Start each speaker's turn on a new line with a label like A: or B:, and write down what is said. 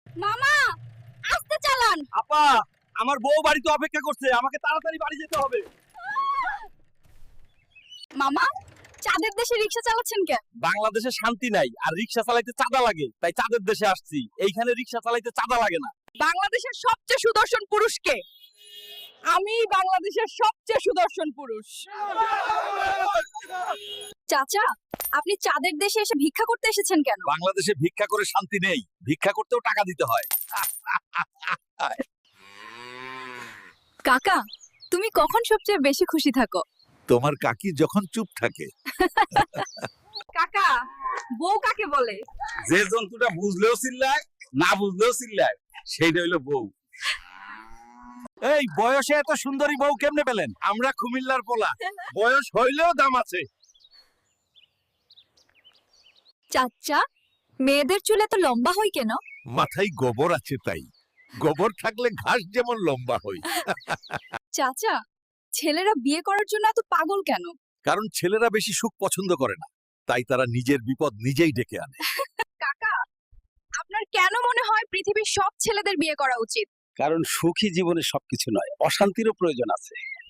A: মামা আস্তে চালান।
B: আপা, আমার বউ বাড়িতে অপেক্ষা করছে, আমাকে তাড়াতাড়ি বাড়ি যেতে হবে।
A: মামা চাঁদের দেশে রিকশা চালাচ্ছেন কেন?
B: বাংলাদেশে শান্তি নাই, আর রিক্সা চালাইতে চাঁদা লাগে, তাই চাঁদের দেশে আসছি। এইখানে রিক্সা চালাইতে চাঁদা লাগে না।
A: বাংলাদেশের সবচেয়ে সুদর্শন পুরুষ কে? আমি বাংলাদেশের সবচেয়ে সুদর্শন পুরুষ। চাচা, আপনি চাঁদের দেশে এসে ভিক্ষা করতে এসেছেন কেন?
B: বাংলাদেশে ভিক্ষা করে শান্তি নেই, ভিক্ষা করতেও টাকা দিতে হয়।
A: কাকা, তুমি কখন সবচেয়ে বেশি খুশি থাকো?
B: তোমার কাকি যখন চুপ থাকে।
A: কাকা, বউ কাকে বলে?
B: যে জন্তুটা বুঝলেও চিল্লায়, না বুঝলেও চিল্লায়, সেইটা হইলো বউ। এই বয়সে এত সুন্দরী বউ কেমনে পেলেন? আমরা কুমিল্লার পোলা, বয়স হইলেও দাম আছে।
A: চাচা, মেয়েদের চুল এত লম্বা হয় কেন?
B: মাথায় গোবর আছে তাই। গোবর থাকলে ঘাস যেমন লম্বা হয়।
A: চাচা, ছেলেরা বিয়ে করার জন্য এত পাগল কেন?
B: কারণ ছেলেরা বেশি সুখ পছন্দ করে না, তাই তারা নিজের বিপদ নিজেই ডেকে আনে।
A: কাকা, আপনার কেন মনে হয় পৃথিবীর সব ছেলেদের বিয়ে করা উচিত?
B: কারণ সুখী জীবনে সবকিছু নয়, অশান্তিরও প্রয়োজন আছে।